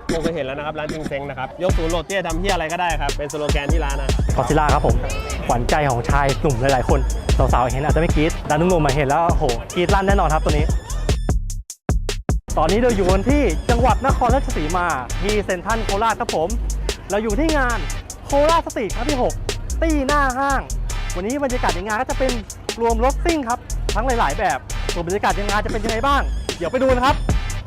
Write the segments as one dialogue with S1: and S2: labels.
S1: คงเคยเห็นแล้วนะครับร้านจิงเซ็งนะครับยกศูนย์โรเตี้ยทำเฮียอะไรก็ได้ครับเป็นสโลแกนที่ร้านนะ
S2: กอซิล่าครับผมขวัญใจของชายหนุ่มหลายๆคนสาวๆเห็นอาจจะไม่กรี๊ดแต่หนุ่มๆมาเห็นแล้วโหกรี๊ดลั่นแน่นอนครับตัวนี้ตอนนี้เราอยู่กันที่จังหวัดนครราชสีมาที่เซ็นทรัลโคราชครับผมเราอยู่ที่งานโคราชสตรีทครั้งที่6ตี้หน้าห้างวันนี้บรรยากาศในงานก็จะเป็นรวมรถซิ่งครับทั้งหลายๆแบบส่วนบรรยากาศในงานจะเป็นยังไงบ้างเดี๋ยวไปดูนะครับ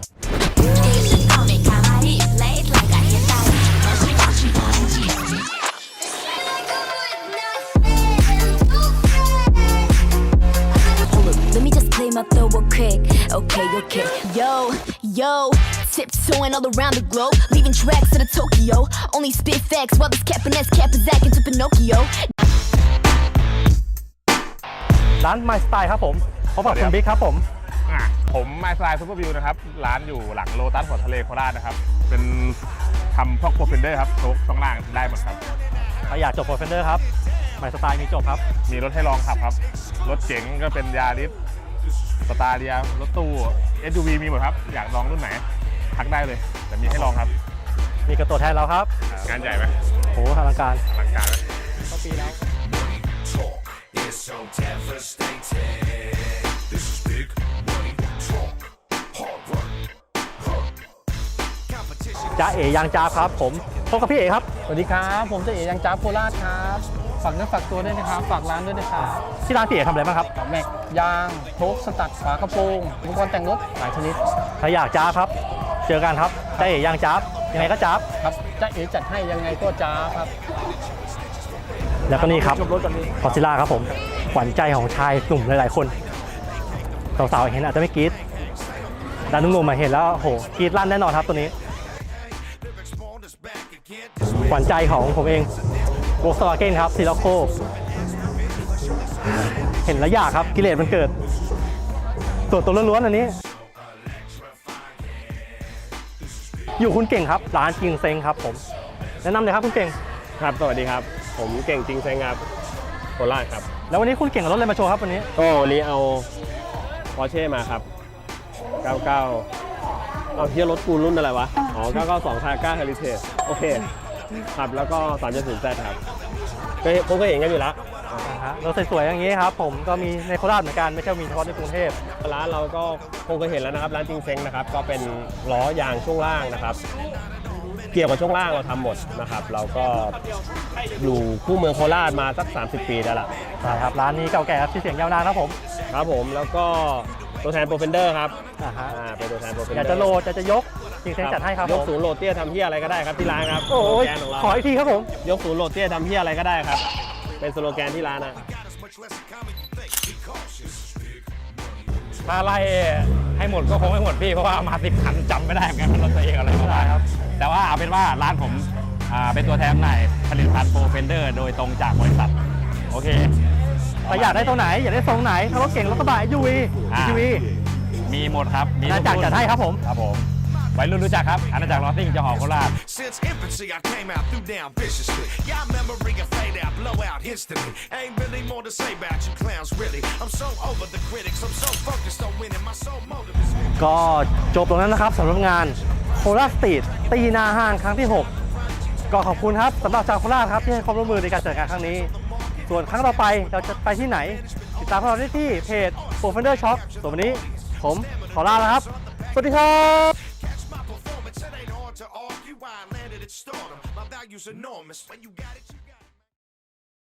S3: My throw a quick, okay, yo, tiptoeing all around the globe, leaving tracks to the Tokyo. Only spit facts while this cap and ass cap is acting to Pinocchio.
S2: ร้าน My Style ครับผมพบกับคุณบิ๊กครับผม
S4: My Style Super View นะครับร้านอยู่หลังโลตัสหัวทะเลโคราชนะครับเป็นทำพวกโปรเฟนเดอร์ครับช่องล่างได้หมดครับ
S2: ถ้าอยากจบโปรเฟนเดอร์ครับ My Style มีจบครับ
S4: มีรถให้ลองขับครับรถเก๋งก็เป็นยาริสสตาร์เรียรถตู้ SUV มีหมดครับอยากลองรุ่นไหนทักได้เลยแต่มีให้ลองครับ
S2: มีกระตัวแทนเราครับ
S4: งานใหญ่ไหม
S2: โหอลังการ
S4: ไหม
S2: ก็ปีแล้วจ้าเอ๋ยังจ้าครับผมพบกับพี่เอ๋ครับ
S5: สวัสดีครับผมจ้าเอ๋ยังจ้าโคราชครับฝากเนื้อฝากตัวด้วยนะครับฝากร้านด้วยนะครับ
S2: ที่ร้านพี่เอ๋ทำอะไรบ้างครับ
S5: แม็กยางโชคสตัดฝากระโปรงอุปกรณ์แต่งรถหลายชนิด
S2: ถ้าอยากจ้าครับเจอกันครับจ้าเอ๋ยังจ้ายังไงก็จ้า
S5: ครับจ้าเอ๋จัดให้ยังไงก็จ้าครับ
S2: แล้วก็นี่ครับกอซิล่าครับผมขวัญใจของชายหนุ่มหลายๆคนสาวๆเห็นอาจจะไม่กรี๊ดแต่หนุ่มๆมาเห็นแล้วโหกรี๊ดลั่นแน่นอนครับตัวนี้ขวัญใจของผมเองโวล์คสวาเกนครับซีล็อกโกเห็นแล้วอยากครับกิเลสมันเกิดตัวล้วนๆอันนี้อยู่คุณเก่งครับร้านจิงเซ็งครับผมแนะนำเลยครับคุณเก่ง
S1: ครับสวัสดีครับผมเก่งจิงเซ็งครับโคราชครับ
S2: แล้ววันนี้คุณเก่งกับรถอะไรมาโชว์ครับวันนี้
S1: ก็วันนี้เอา Porsche มาครับ99เอาเทียรถกูรุ่นอะไรวะอ๋อ992 Targa Heritage โอเคครับแล้วก็ 3.0Z ครับผมก็เห็นกันอยู่แล้ว
S2: รถสวยๆอย่างนี้ครับผมก็มีในโคราชเหมือนกันไม่ใช่มีเฉพาะในกรุงเทพ
S1: ร้านเราก็คงเคยเห็นแล้วนะครับร้านจิงเซ็งนะครับก็เป็นล้อยางช่วงล่างนะครับเกี่ยวกับช่วงล่างเราทำหมดนะครับเราก็อยู่คู่เมืองโคราชมาสัก30 ปีแล้วล่ะ
S2: ใช่ครับร้านนี้เก่าแก่ที่เสียงยาวนานครับผม
S1: แล้วก็ตัวแทนโปรเฟนเดอร์ครับ
S2: เป็นตัวแทนโปรเฟนเดอร์อยากจะโหลดจะยกจิงเซ็งจัดให้ครับ
S1: ยกศูนย์โหลดเตี้ยทำเฮียอะไรก็ได้ครับที่ร้านครับ
S2: โอ้ยขออีกทีครับผม
S1: ยกศูนย์โหลดเตี้ยทำเฮียอะไรก็ได้ครับเป็นสโลแกนที่ร้านนะ
S4: ถ้าไล่ให้หมดก็คงไม่หมดพี่เพราะว่ามา10 คันจำไม่ได้เหมือนกันรถตัวเองอะไรก็ได้ครับแต่ว่าเอาเป็นว่าร้านผมเป็นตัวแทนจำหน่ายผลิตภัณฑ์โปรเฟนเดอร์โดยตรงจากบริษัทโอเค
S2: แต่อยากได้ตัวไหนอยากได้ทรงไหนถ้ารถเก่งรถกระบะ UV
S4: มีหมดครับ
S2: มีอาณาจักรจัดให้ครับผม
S4: วัยรุ่นรู้จักครับอาณาจักรลอสซิ่งจะหอโคราช
S2: ก็จบตรงนั้นนะครับสำหรับงานโคราชสตรีทตีหน้าห้างครั้งที่6ก็ขอบคุณครับสำหรับชาวโคราชครับที่ให้ความร่วมมือในการจัดงานครั้งนี้ส่วนครั้งต่อไปเราจะไปที่ไหนติดตามพวกเราได้ที่เพจ Profender Shop ส่วนวันนี้ผมขอลาแล้วครับสวัสดีครับ